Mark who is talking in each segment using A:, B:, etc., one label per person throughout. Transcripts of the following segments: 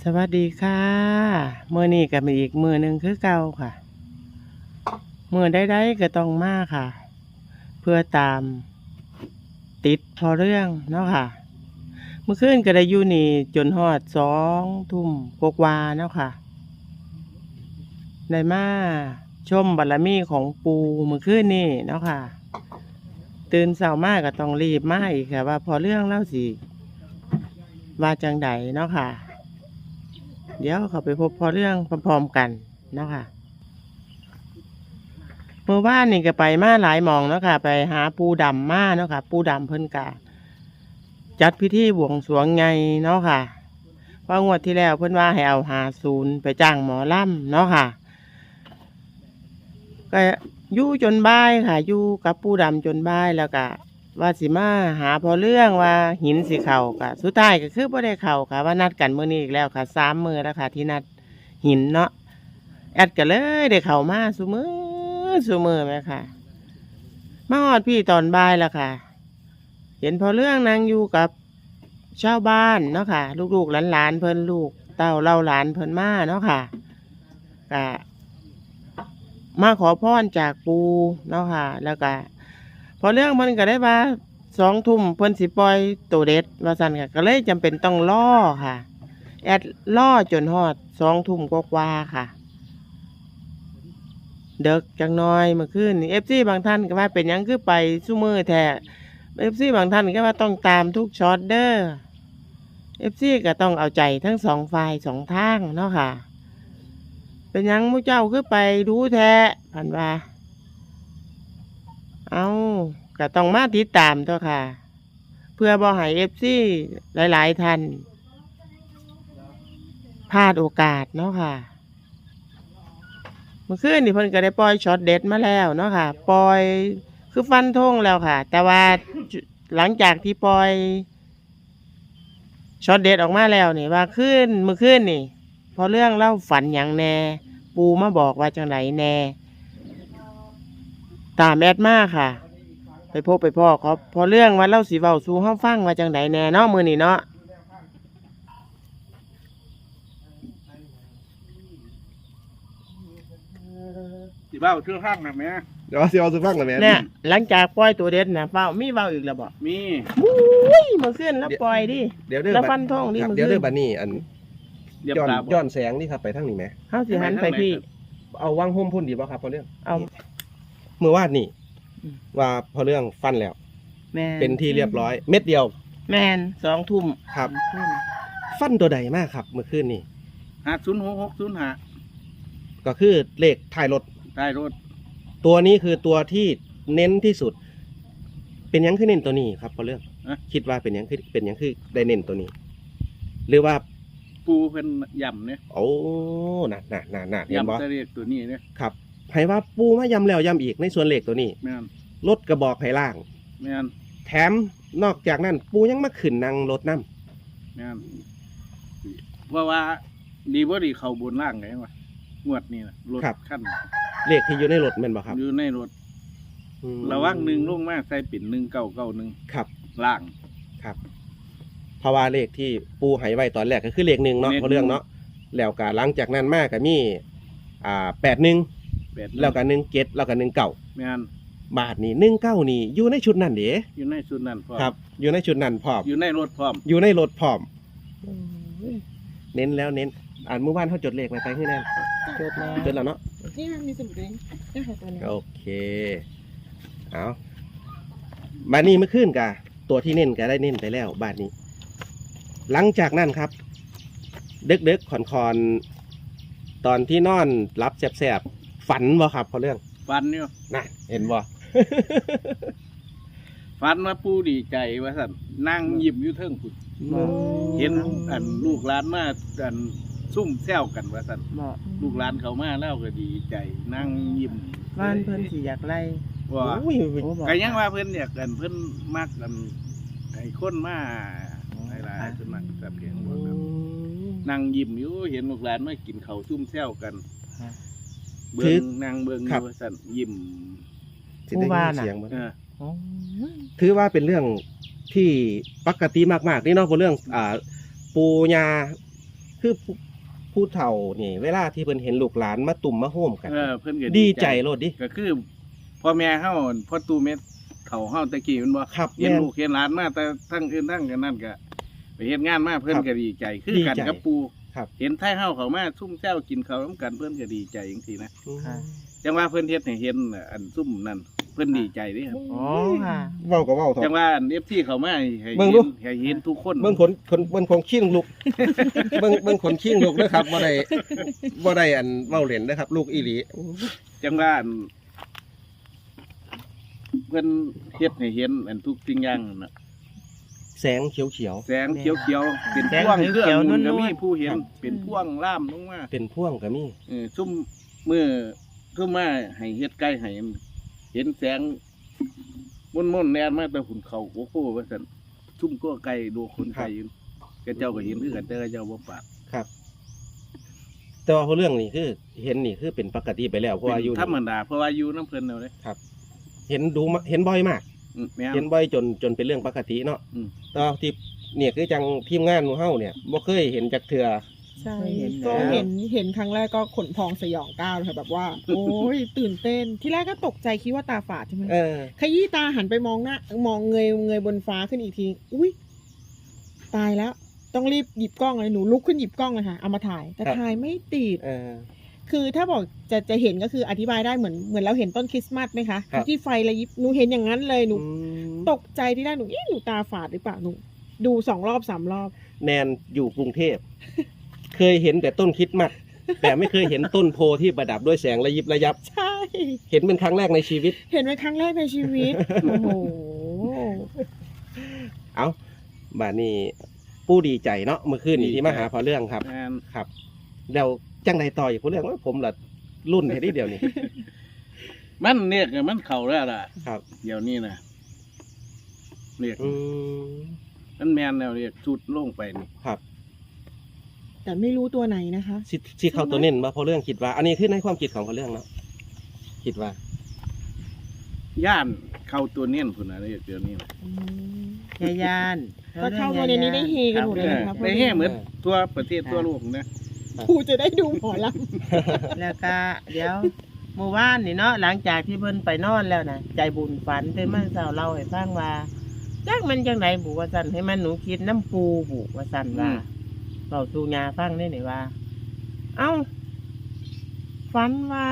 A: สวัสดีค่ะมื้อนี้ก็มีอีกมื้อหนึ่งคือเก่าค่ะมื้อใดๆก็ต้องมาค่ะเพื่อตามติดพอเรื่องเนาะค่ะเมื่อคืนก็ได้อยู่นี่จนฮอด2 ทุ่มกว่าๆเนาะค่ะได้มาชมบารมีของปู่เมื่อคืนนี้เนาะค่ะตื่นเช้ามาก็ต้องรีบมาอีกค่ะว่าพอเรื่องเล่าสิว่าจังใดเนาะค่ะเดี๋ยวเขาไปพบพอเรื่องพร้อมๆกันเนาะค่ะเมื่อวานนี่ก็ไปมาหลายหม่องเนาะค่ะไปหาปู่ดำมาเนาะค่ะปู่ดำเพิ่นก็จัดพิธีบวงสรวงใหญ่เนาะค่ะเพราะงวดที่แล้วเพิ่นว่าให้เอา50ไปจ้างหมอลำเนาะค่ะก็อยู่จนบ่ายค่ะอยู่กับปู่ดำจนบ่ายแล้วก็ว่าสิมาหาพอเรื่องว่าหินสิเข้าก็สุดท้ายก็คือบ่ได้เข้าค่ะว่านัดกันมื้อนี้อีกแล้วค่ะ3 มื้อแล้วค่ะที่นัดหินเนาะแอดก็เลยได้เข้ามาซุมื้อแม่ค่ะมาฮอดพี่ตอนบ่ายแล้วค่ะเห็นพอเรื่องนั่งอยู่กับชาวบ้านเนาะค่ะลูกๆหลานๆเพิ่นลูกเต้าเล่าหลานเพิ่นมาเนาะค่ะก็มาขอพรจากปู่เนาะค่ะแล้วก็พอเรื่องเพิ่นก็ได้ว่า2 ทุ่มเพิ่นสิปล่อยตัวเด็ดว่าซั่นค่ะก็เลยจำเป็นต้องรอค่ะแอดรอจนฮอด2 ทุ่มกว่าๆค่ะเดึกจังน้อยเมื่อคืนนี่ FC บางท่านก็ว่าเป็นหยังคือไปซุมื้อแท้ FC บางท่านก็ว่าต้องตามทุกช็อตเด้อ FC ก็ต้องเอาใจทั้ง2 ฝ่าย2 ทางเนาะค่ะเป็นหยังหมู่เจ้าคือไปดูแท้เพิ่นว่าเอาก็ต้องมาติดตามตัวค่ะเพื่อบ่ให้ FC หลายๆท่านพลาดโอกาสเนาะค่ะเมื่อคืนนี่เพิ่นก็ได้ปล่อยช็อตเด็ดมาแล้วเนาะค่ะปล่อยคือฟันธงแล้วค่ะแต่ว่าหลังจากที่ปล่อยช็อตเด็ดออกมาแล้วนี่ว่าเมื่อคืนนี่พอเรื่องเล่าฝันหยังแน่ปู่มาบอกว่าจังไดแน่ตามแอดมาค่ะไปพบไปพ่อเขาพอเรื่องว่าเล่าสิเว้าสู่เฮาฟังว่าจังไดแน่เนาะมื้อนี้เนาะ
B: สิเบ้าเชื่อข้างนะแม่
C: เดี๋ยวสิเอาสุฟังกันแม่
A: เนี่ยหลังจากปล่อยตัวเด็ดน่ะมีเว้าอีกแล้วบ่
B: มี
A: อุ้ยเมื่อคืนแล้วปล่อยดิ
C: เดี๋ยวเด้อ
A: แล้วฟันธงดิ
C: ครับ
A: มื้อ
C: เดี๋ยว
A: คื
C: เด้อน บัดนี้อัน
B: เดี๋ยว
C: ย้อน
B: ปลา
C: ย้อนแสงนี่ครับไปทางนี้แหม
A: เฮาสิหันไปพี่
C: เอาวางห่มพุ่นดีบ่ครับพอเรื่อง
A: เอา
C: เมื่อวานนี่ว่าพอเรื่องฟันแล้ว
A: แม่น
C: เป็นที่เรียบร้อย เม็ดเดียว
A: แม่น2 ทุ่ม
C: ครับ ฟันตัวใดมากครับเมื่อคืนนี่
B: 506605
C: ก็คือเลขท้ายรถ
B: ใต้รถ
C: ตัวนี้คือตัวที่เน้นที่สุด เป็นหยังคือเน้นตัวนี้ครับพอเรื่องคิดว่าเป็นหยังคือได้เน้นตัวนี้ หรือว่า
B: ปูเพิ่นย่ำเนี่ย
C: โอ้น่ะเห็นบ่
B: ย่ำตะเรียกตัวนี้เนี่ย
C: ครับให้ว่าปูมาย้ำแล้วย้ำอีกในส่วนเลขตัวนี้
B: แม่น
C: รถกระบอกให้ล่าง
B: แม่น
C: แถมนอกจากนั้นปูยังมาขึ้นนั่งรถน้
B: แม่นว่าดีบ่ดีเข้าบนล่างไงวะงวดนี่นะรถขั้น
C: ำเลขที่อยู่ในรถแม่นบ่ครับ
B: อยู่ในรถ
C: อืม
B: ระวัง1ลงมาใส่ปิ่น1991
C: ครับ
B: ล่าง
C: ครับเพราะว่าเลขที่ปูให้ไว้ตอนแรกก็คือเลขหนึ่งเนาะ
B: เลข
C: เพราะเรื่องเนาะแล้วก็หลังจากนั้นมาก็มี81แล้วก็17แล้วก็19
B: แม่น
C: บาทนี่19นี่อยู่ในชุดนั้นเด้
B: อยู่ในชุดนั้นพร้อม
C: ครับ อยู่ในชุดนั้นพร้อม
B: อยู่ในรถพร้อม
C: อยู่ในรถพร้อมเน้นแล้วเน้นอ่านเมื่อวานเขาจดเลขไว้ไปให้แน่น
A: จดแล้ว
C: จดแล้วเนาะ
A: นี่มันมีสมุดเลยนี่ค่ะตัวนี้
C: โอเคเอาบาทนี้เมื่อคืนกะตัวที่เน้นก็ได้เน้นไปแล้ว บาทนี้ หลังจากนั้นครับดึกๆคอนตอนที่นอนรับแสบๆฝันบ่ครับพอเรื่อง
B: ฟันอยู่
C: น่ะเห็นบ่
B: ฟันว่าปูดีใจว่าสั่นนั่งยิ้มอยู่เทิงพุ่น เห็นอันลูกหลานมาอันซุ่มแซวกันว่าสั่น
A: เหมาะ
B: ลูกหลานเขามาแล้วก็ดีใจนั่งยิ้ม
A: บ้านเพิ่นสิอยากไล่
B: ว่า
C: โอ้ย
A: โอ้บอก
B: ก็ยังว่าเพิ่นอยากกันเพิ่นมักกันไอ้คนมาหลายๆเพิ่นมักแต่เพียงบอกครับนั่งยิ้มอยู่เห็นลูกหลานมากินข้าวซุ่มแซวกันเบิ่งนั่งเบิ่งอยู่ว่าสั่นยิ้ม
C: สิได้ยินเสียงบ่
B: เออ
A: อ๋อ
C: ถือว่าเป็นเรื่องที่ปกติมากๆนี่เนาะพอเรื่องปูญาคือผู้เฒ่านี่เวลาที่เพิ่นเห็นลูกหลานมาตุ่มมาโฮมกัน
B: เพิ่นก็
C: ดีใจโลดดิ
B: ก็คือพ่อแม่เฮาพ่อตู่เม็ดเฒ่าเฮาตะกี้มันบ่
C: ครับ
B: เห็น
C: แม่น
B: ลูกเห็นหลานมาแต่ทั้งอื่นทั้งกันนั่นก็ไปเฮ็ดงานมาเพิ่น
C: ครับ
B: ก็ดีใจคือกัน
C: ดีใจ
B: กับปู่
C: ครับ
B: เห็นไทเฮาเข้ามาซุ่มแซวกินข้าวนำกันเพิ่นก็ดีใจจังซี่นะ
A: ค่ะ
B: จังว่าเพิ่นเฮ็ดให้เห็นอันซุ่มนั่นเพิ่นดีใจเด้ครับ
A: อ๋อค่ะ
C: เว้าก็เว้าเถ
B: จัง
C: อะ
B: ว่าอัน FT เข้ามาให้
C: เบิ่
B: เห็
C: ง
B: น
C: ดู
B: ให้เห็นทุกคน
C: เบิ่งขนขี้ลุก เบิ่งขนขี้ลุกนะครับบ่ได้อันเว้าเล่นนะครับ ลูกอีหลี
B: จังว่าอันเพิ่นเฮ็ดให้เห็นอันทุกสิ่งอย่างนั่นน่ะ
C: แสงเขียว
B: แสงเขียวๆเป็น
A: แสง
B: พ่วง
A: เขียวๆ
B: เครื่อง
A: นวลๆ
B: ก็มีผู้เห็น
C: ครับ
B: เป็นพ่วงล่ามลงมา
C: ๆเป็นพ่วงก็มี
B: ซุ่มมือซุ่มมาให้เฮ็ดไก่ให้เห็นแสงม่นๆแนนมาแต่หุ่นเขาโอ้โหว่าซั่นซุ่มก็ไก่ดูคนไก่อยู่กระเจ้าก็เห็นคือกันแต่กระเจ้าบ่ปาก
C: ครับ แต่ว่าเรื่องนี้คือ เห็นนี่คือเป็นปกติไปแล้วเพราะว่าอยู่
B: ธรรมดาเพราะว่าอยู่น้ำเพลินเอาเลย
C: เห็นเห็นบ่อยมาก
B: แม่น
C: เห็นบ่อยจนเป็นเรื่องปกติเนาะ
B: อืม
C: แต่ว่าที่เนี่ยคือจังทีมงานของเฮาเนี่ยบ่เคยเห็นจากเทื่อ
D: ใช่
A: เคยเห็น
D: ก็
A: แล้ว
D: เห็นครั้งแรกก็ขนพองสยองก้าวเลยค่ะแบบว่า โอ้ยตื่นเต้น ที่แรกก็ตกใจคิดว่าตาฝาดใช่ไหม
C: เออ
D: ขยี้ตาหันไปมองหน้ามองเงยบนฟ้าขึ้นอีกทีอุ้ยตายแล้ว ต้องรีบหยิบกล้องเลยหนูลุกขึ้นหยิบกล้องเลยค่ะเอามาถ่ายแต่
C: ครับ
D: ถ่ายไม่ติด
C: เออ
D: คือถ้าบอกจะเห็นก็คืออธิบายได้เหมือนเราเห็นต้นคริสต์มาสไหมคะ
C: ครับ
D: ที่ไฟระยิบหนูเห็นอย่างนั้นเลยหนู
C: อืม
D: ตกใจที่แรกหนูหนูตาฝาดหรือเปล่าหนูดู2 รอบ 3 รอบ
C: แนนอยู่กรุงเทพ เคยเห็นแต่ต้นคริดมัด แต่ไม่เคยเห็นต้นโพที่ประดับด้วยแสงระยิบระยับ
D: ใช่
C: เห็นเป็นครั้งแรกในชีวิต
D: เห็นเป็นครั้งแรกในชีวิต โอ้โห
C: เอาบาดนี้ผู้ดีใจเนาะเมื่อคืนนี้ที่มาหาพอเรื่องครับ
B: แม่น
C: ครับแล้วจังใดต่ออีกพอเรื่องว่าผมละรุ่นแค่นี้เดียวนี่
B: มันเนี่ยมันเข่าแล้วล่ะ
C: ครับ
B: เดี๋ยวนี้นะเรียก
C: อืม
B: มันแมนแล้วเรียกชุดลงไปนี่
C: ครับ
D: แต่ไม่รู้ตัวไหนนะคะ
C: สิเข้าตัวเน้นมาพอเรื่องคิดว่า อันนี้คือในความคิดของพอเรื่องเนาะคิดว่า
B: ย่านเข้าตัวเนียนคุณนะเรียกเดี๋ยวนี้นะ
A: ยายาน
D: ก็เข้ามาในนี้ได้เฮกันหมดเลยนะครับ
B: ได้แห่เหมือนทั่วประเทศทั่วโลกนะ
D: ครูจะได้ดูหมอล
A: แล้วก็เดี๋ยวเมื่อวานนี่เนาะหลังจากที่เพิ่นไปนอนแล้วนะใจบุญฝันตื่นมาเช้าเล่าให้ฟังว่าจักมันจังไดบุว่าซั่นให้มันหนูคิดน้ำปูบุว่าซั่นว่าเว้าสู่ยาฟังได้นี่ว่า เอ้าฝันว่า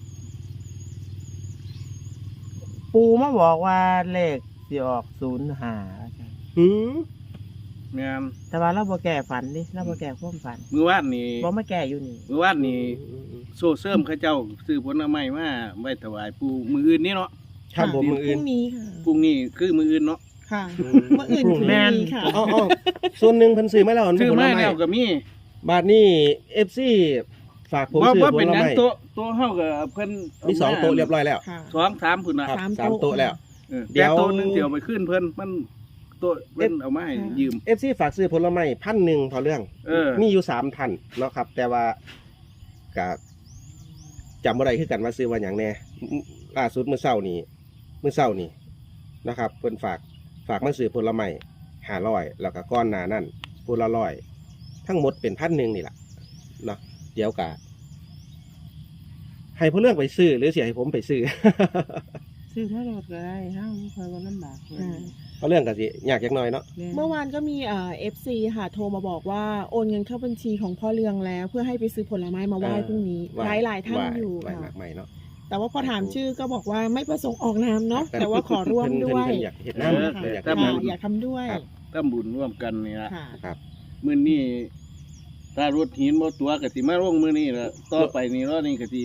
A: ปูมาบอกว่าเลขสิออก05
C: อืม
B: แม่น
A: แต่ว่าเราบ่แก้ฝันดิเราบ่แก้ความฝัน
B: มือวาดนี่
A: บ่มาแก้อยู่นี่
B: มือวาดนี่โซเสริมเข้าเจ้าซื้อผลไม้มาไว้ถวายปู่มืออื่นนี่เนาะ
D: ำ
C: ครับผมมือ
D: พ
C: อื่น
D: รุ่งนี้ค่ะ
B: พรุ่งนี้คือมืออื่นเนาะ
D: ค่ะ
C: อืม
D: เมื่ออื่นคือ
A: แม่น
D: มีค่ะ
C: อ๋อส่วนหนึ่งเพิ่นซื้อมาแล้ว
B: ซื้อมา
C: ผลไ
B: แล้วก็มี
C: บาทนี้ FC ฝากผมซื้อ
B: ว่า
C: ผ
B: เป็น
C: ล
B: หยัง
C: ไม้
B: ตัวเฮาก็เพิ่น
C: มีสองโต๊ะเรียบร้อยแล้ว
D: ค่ะ
B: 2-3พุ่นน่ะ
C: ครับ
D: สาม
C: สาม
D: โต๊ะ
C: โต๊ะแล้ว เดี๋
B: เดี๋
C: ย
B: ยว วตัวหนึงเดี๋ยวไปขึ้นเพิ่นมันตัวเพิ่นเอามาให้ยืม
C: FC ฝากซื้อผลไม้1,000พอเรื่อง มีอยู่3ท่านเนาะครับ แต่ว่าก็จำบ่ได้คือกันว่าซื้อว่าหยังแน่ล่าสุดมื้อเช้านี้นะครับเพิ่นฝากมาซื้อผลไม้500แล้วก็ก้อนหน้านั่นพูละ100ทั้งหมดเป็น1,000นี่ล่ะเนาะเดี๋ยวก็ให้พอเรื่องไปซื้อหรือสิให้ผมไปซื้อ
A: ซื้อมาโลดก็ได้เฮาบ่ค่อยว่าลำบากเลย
D: อ่า
C: พอเรื่องก็สิยากจักหน่อยเนาะ
D: เมื่อวานก็มีFC ค่ะโทรมาบอกว่าโอนเงินเข้าบัญชีของพ่อเรืองแล้ว เพื่อให้ไปซื้อผลไม้มาไหว้พรุ่งนี้หลายท่านอยู่
C: ไหว้
D: ค่ะ
C: มากใหม่เนาะ
D: แต่ว่าพอถามชื่อก็บอกว่าไม่ประสงค์ออกนามเนาะแต่ว่าขอร่วมด้วย
C: เพิ่นอยากเฮ็ดน้ำ
D: ค่ะ
C: เพิ่นอยาก
B: ครั
C: เฮ็
B: บ
C: ดน้
D: อยากทำด้วย
C: ครับ
B: ทำบุญร่วมกันนี่ละ
D: ค่ะ
C: ำครับ
B: มื้อนี้ถ้ารถหินบ่ตัวก็สิมาลงมื้อนี้ละต่อไปนี่รอนี่ก็สิ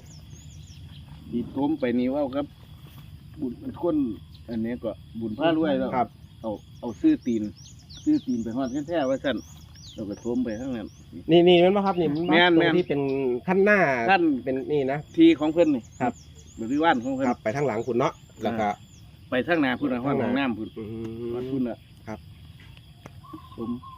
B: ต้มไปนี่เว่าครับ บุญมันคนอันนี้ก็บุญพารวยแล้ว
C: ครับ
B: เอาซื้อตีนไปฮอดแท้ๆว่าซั่นเราก็ต้มไปข้างนั้น
C: นี่มันมาครับนี่มัน
B: แม่น
C: ตร
B: แม่
C: ง
B: น
C: ที่เป็นขั้นหน้า
B: ขั้น
C: เป็นนี่นะ
B: ที่ของเพิ่นนี่
C: ครับ
B: บริวารของเพิ่น
C: ครับไปทางหลังคุณเนาะแล้วก็
B: ไปทางหน้าพุ่นน่ะฮอดห้องน้ำพุ่น
C: อื
B: ฮอด
C: ม
B: พุ่นน่ะ
C: ครับ
B: ผม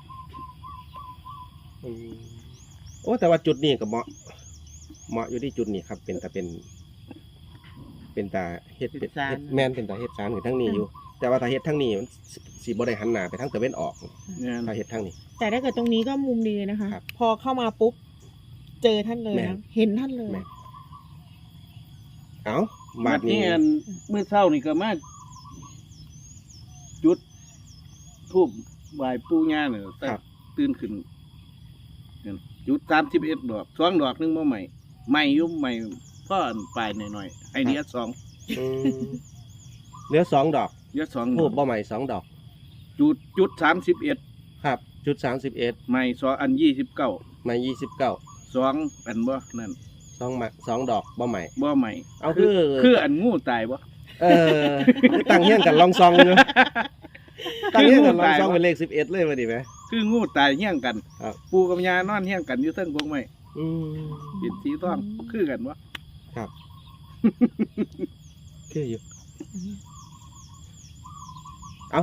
C: อืมโอ้แต่ว่าจุดนี้ก็เหมาะอยู่ที่จุดนี้ครับ เป็นตาเฮ็ดเป็น
A: เฮ็ดศาล
C: เฮ็ดแม่นเป็นตาเฮ็ดสารอยู่ทั้งนี้อยู่แต่ว่าถ้าเฮ็ดทางนี้มันสิบ่ได้หันหน้าไปทางตะเวนออก
B: เนี่ย
C: ถ้าเฮ็ดทางนี้
D: แต่ถ้าเกิดตรงนี้ก็มุมดีนะคะ
C: ครับ
D: พอเข้ามาปุ๊บเจอท่านเลย
C: แม่
D: นะ
C: น
D: เห็นท่านเลย
C: แม่น เอ้า
B: บั
C: บา
B: ด
C: ด
B: นี้
C: นี้
B: อันมื้อเช้านี่ก็มาจุดธูปไหว้ปู่ย่าเนี่ยแต่
C: ครับ
B: ตื่นขึ้นนั่นจุด31ดอก2ดอกนึงบ่ใหม่ใหม่อยู่ใหม่พ่ออันปลายหน่อยๆไอเดีย2
C: อืมเหลือ2ดอก
B: เดีย2ด
C: ทู
B: อบ ก
C: บ่ใหม่2ดอก
B: จุด31
C: ครับ จุด31
B: ใหม่2อัน29
C: ใหม่29
B: 2อันบ่นั่น
C: 2ดอกบ่ใหม่
B: บ่ใหม่
C: เอาคือ
B: คืออันงูตายบ่
C: คือตั้งเฮียงกันลองซองเนอะตั้งเฮียงกันลองซองเป็นเลข11เลยมาดิไหม
B: คืองูตายเฮี้ยงกัน
C: ครับ
B: ปู่กับย่านอนเฮี้ยงกันอยู่เทิงพวกไม้
C: อืม
B: เป็นสีทองคือกันบ่
C: ครับ คืออยู่ เอา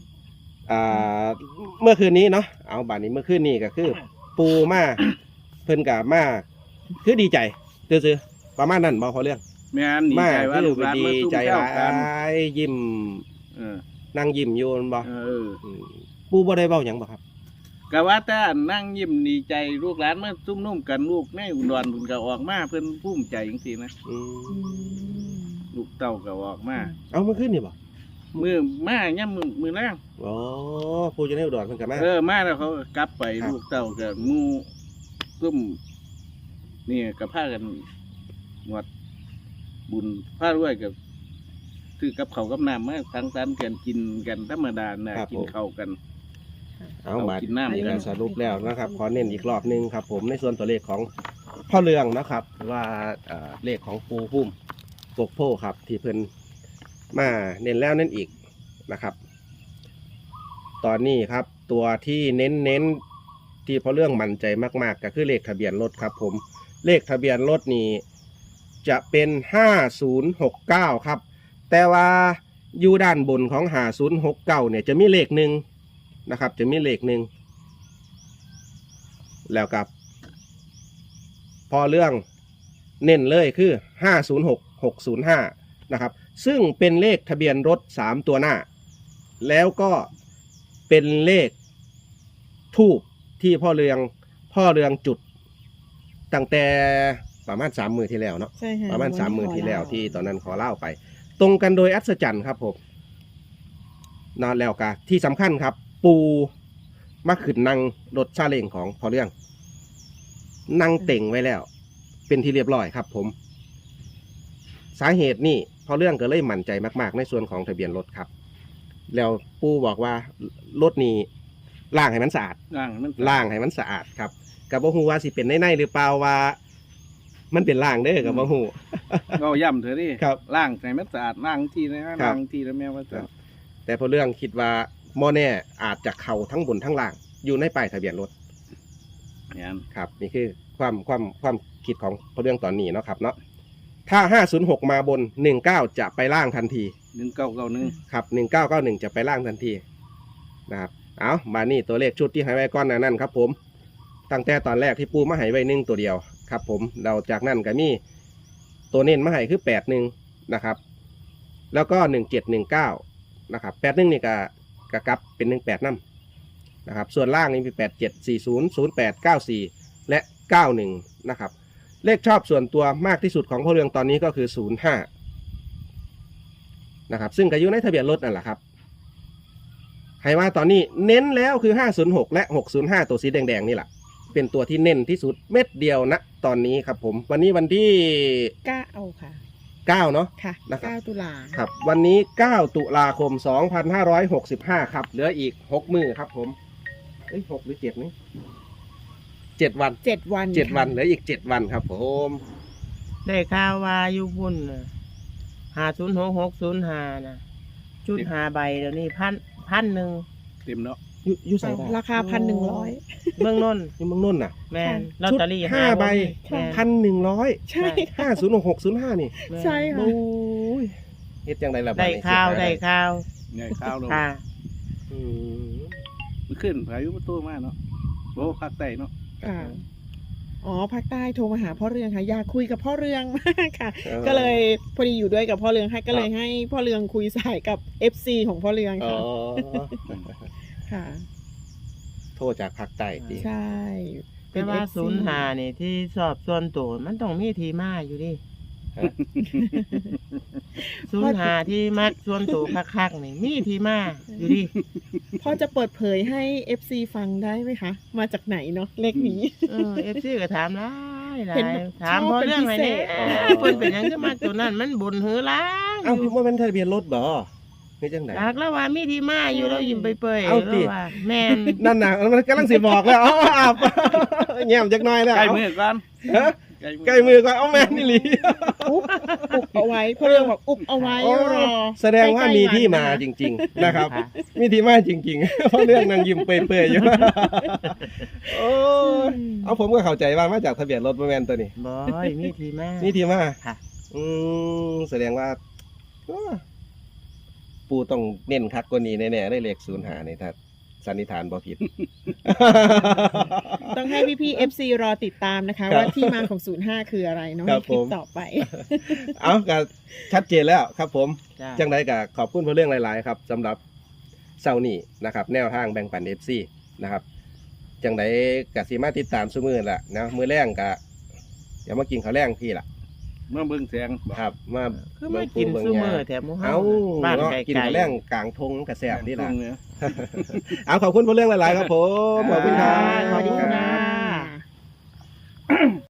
C: เมื่อคืนนี้เนาะ เอาบาดนี้เมื่อคืนนี้ก็คือ ปูมาเพิ่นกับมาคือดีใจซื่อๆประมาณนั้นบ่พอเรื่อง
B: แม่นดี
C: มา
B: ใจว่า
C: คือ
B: ลูกหลาน
C: ดี
B: มาซุ่ม
C: ใจ
B: แซว
C: หลา
B: กัน
C: ยยิ้ม
B: เออ
C: นั่งยิ้มอยู่นั่นบ่
B: เออ
C: มปูบ่ได้เว้าหยังบ่ครับ
B: ก็ว่าแต่อันนั่งยิ้มดีใจลูกหลานมาซุ่มนุ่มกันลูกในอุดรเพิ่นก็ออกมาเพิ่นภูมิใจจังซี่นะ
C: อืม
B: ลูกเต้าก็ออกมา
C: เอาเมื่อคืนนี่บ่
B: มือมาย่ำมือแรง
C: อ๋อปูจะได้อุดรเพิ่นก็มา
B: มาแล้วเขาก็กลับไป
C: ครับ
B: ลูกเต้าก็งูซุ่มนี่ก็พากันงวดบุญพาด้วยกับซื้อกับเขาวกับน้ำมาสังสรรค์กันกินกันธรรมดาน่ะกินข้าวกัน
C: เอามา
B: กินน้ำ
C: นี่
B: กั
C: ก็
B: น
C: สรุปแล้วนะครับ ขอเน้นอีกรอบหนึงครับ ผมในส่วนตัวเลขของพ่อเรืองนะครับ ว่าเลขของปูพุ่มกกโพครับ ที่เพิ่นมาเน้นแล้วเน้นอีกนะครับ ตอนนี้ครับ ตัวที่เน้นที่พ่อเรื่องมั่นใจมากๆก็คือเลขทะเบียนรถครับ ผมเลขทะเบียนรถนี่จะเป็น5069ครับแต่ว่าอยู่ด้านบนของ5069เนี่ยจะมีเลขหนึ่งนะครับ จะมีเลขหนึ่งแล้วกับพอเรื่องเน้นเลยคือ506605นะครับซึ่งเป็นเลขทะเบียนรถ3ตัวหน้าแล้วก็เป็นเลขทูบที่พ่อเรืองจุดตั้งแต่ประมาณ3 มื้อที่แล้วเนาะ
D: ใช่ค่ะ
C: ประมาณ
D: วัน
C: 3 มื้อที่แล้ว
D: ขอ
C: ที่ตอนนั้นขอเล่าไป ตรงกันโดยอัศจรรย์ครับผมนอนแล้วกะที่สำคัญครับ ปูมาขึ้นนั่งรถซาเล้งของพอเรื่อง นั่งเต่งไว้แล้ว เป็นที่เรียบร้อยครับ ผม สาเหตุนี่พอเรื่องก็เลยมั่นใจมากๆ ในส่วนของทะเบียนรถครับ แล้วปูบอกว่ารถนี้ล้างให้มันสะอาด
B: ล่างมัน
C: ล่างให้มันสะอาดครับกับบ่ฮู้ว่าสิเป็นในหรือเปล่าว่า มันเป็นล่างเด้อกับบ่ฮู้
B: ก็ย่ำเถอะดิ
C: ครับ
B: ล่างใส่มันสะอาดล่างทีนะล่างทีแล้วแม่ว่าจะ
C: แต่พอเรื่องคิดว่าโมแน่อาจจะเข้าทั้งบนทั้งล่าง อยู่ในป้ายทะเบียนรถ
B: เนี่ย
C: ครับ นี่คือความคิดของพอเรื่องตอนนี้เนาะครับเนาะถ้า506มาบน19จะไปล่างทันที
B: 1991
C: ครับ1991จะไปล่างทันทีนะครับเอามานี่ตัวเลขชุดที่ให้ไว้ก้อนหนานั่นครับ ผมตั้งแต่ตอนแรกที่ปูมาให้ไว้1ตัวเดียวครับ ผมเราจากนั้นก็มีตัวเน้นมาให้คือ81นะครับ แล้วก็1719นะครับ81นี่ก็กลับเป็น18นำนะครับส่วนล่างนี่มี8740 08 94และ91นะครับเลขชอบส่วนตัวมากที่สุดของพ่อเรืองตอนนี้ก็คือ05นะครับซึ่งก็อยู่ในทะเบียนรถนั่นแหละครับให้ว่าตอนนี้เน้นแล้วคือ506และ605ตัวสีแดงๆนี่แหละเป็นตัวที่เน้นที่สุดเม็ดเดียวนะตอนนี้ครับผมวันนี้วันที่
D: 9ค่ะ
C: 9เนาะ
D: ค่ะ
C: นะครับ
D: 9 ตุลา
C: ครับวันนี้9ตุลาคม2565ครับเหลืออีก6มื้อครับผม6หรือ7นี่7วัน
D: 7 วัน
C: 7วันเหลืออีก7วันครับผม
A: ได้ข่าวว่าอยู่พุ่น506605นะจุด5ใบเดี๋ยวนี้พันหนึ่ง
B: เต็มเนาะ
C: อยู่ใส่ได้
D: ราคา 1,100
A: เมืองนนท์
C: อยู่เมืองนนท์น่ะ
A: แม่น
D: ใช่
A: ลอตเตอรี่
C: ห้าใบ
A: แม่น
C: 1,100
D: ใช่ค่ะ
C: 506605นี่
A: แม่น
D: ใช่ค่ะ
C: โอ้ยเฮ็ดจังไดล่ะบัด
A: ได้
C: นี้
A: ข่าว
C: เสีย
A: ได้
C: ดาย
A: ข่าว
B: เนี่ยข้าวเรา
A: ค่ะ
C: อืม
B: มันขึ้นพายุประตูมาเนาะโอ้ภาคใต้เนาะ
D: อ่าอ๋อภาคใต้โทรมาหาพ่อเรืองค่ะอยากคุยกับพ่อเรืองมากค่ะ ก็เลยพอดีอยู่ด้วยกับพ่อเรืองให้ก็เลยให้พ่อเรืองคุยสายกับ FC ของพ่อเรือง
C: อ๋อ
D: ค่ะ ค่ะ
C: โทษจากภาคใต้ติ
D: ใช่
A: แต่ว่า05นี่ที่สอบส่วนตัวมันต้องมีที่มาอยู่ดิ
C: ฮะ
A: 05ที่มักส่วนตัวคักๆนี่มีที่มาอยู่ดิ
D: พ่อจะเปิดเผยให้ FC ฟังได้ไหมคะ มาจากไหนเนาะเลขนี้
A: FC ก็ถามหลายหลา
D: เห็น
A: ย
D: แบบ
A: ถามเพราะเรื่องอะไรเนี่ย
D: ชอบเป็นพิเศษ
A: เพิ่นเป็นหยังขึ้นมาตัวนั้นมันบุญหือล้าง
C: เอ้าว่ามันทะเบียนรถบ่นี่จังได๋
A: จากแล้วว่ามีที่มาอยู่เรายิ้มไปเปย
C: เอาสิ
A: แล้วว่าแม่น
C: นั่นน่ะมันกำลังสิบอกแล้วอ๋ออาบแง้มจักหน่อยแล้ว
B: ใกล้มือก่อน
C: ฮะใกล้มือก่อนเอาแม่นนี่หลี
D: อุบเอาไว้พ่อเรืองบอกอุบเอาไว้
C: อ๋อ
D: รอ
C: แสดงว่ามีที่มาจริง ๆ นะครับ มีที่มาจริงๆ เพราะเรื่องนางยิ้มเปื่อยๆอยู่ โอ้ยเอาผมก็เข้าใจว่ามาจากทะเบียนรถบ่แม่นตัวนี้
A: บอยมีที่มา
C: นี่ที่มา
A: ค่ะ
C: แสดงว่าอ้อปูต้องเน้นคักกว่านี้แน่ๆได้เลข05นี่ถ้าสันนิษฐานบ่ผิด
D: ต้องให้พี่ๆ FC รอติดตามนะคะ
C: ครับ
D: ว่าที่มาของ 05 คืออะไรเนาะ
C: ครั
D: ใน
C: บ
D: คลิป
C: ผม
D: ต่อไป
C: เอาก็ชัดเจนแล้วครับผม
A: จ้า
C: จังไดก็ขอบคุณเพราะเรื่องหลาย ๆ ครับสำหรับเช้านี้นะครับ แนวทางแบ่งปัน FC นะครับ จังไดก็สิมาติดตามซุมื้อละนะมื้อแรงก็อย่ามากินข้าวแรงพี่ล่ะ
B: เมื่อเบิ่งแสง
C: ครับ มา
A: คือมากินซุมื้อแถมหมู่เฮา
C: เอา
A: บ้าน
C: เนาะ
A: ไกลๆ
C: กินข้าวแรงกลางทงกระแสบนี่ล่ะ
B: เนี่ย
C: เอาขอบคุณเพราะเรื่องหลาย ๆ ครับผมขอบคุณครับ
A: ขอบคุณค่ะ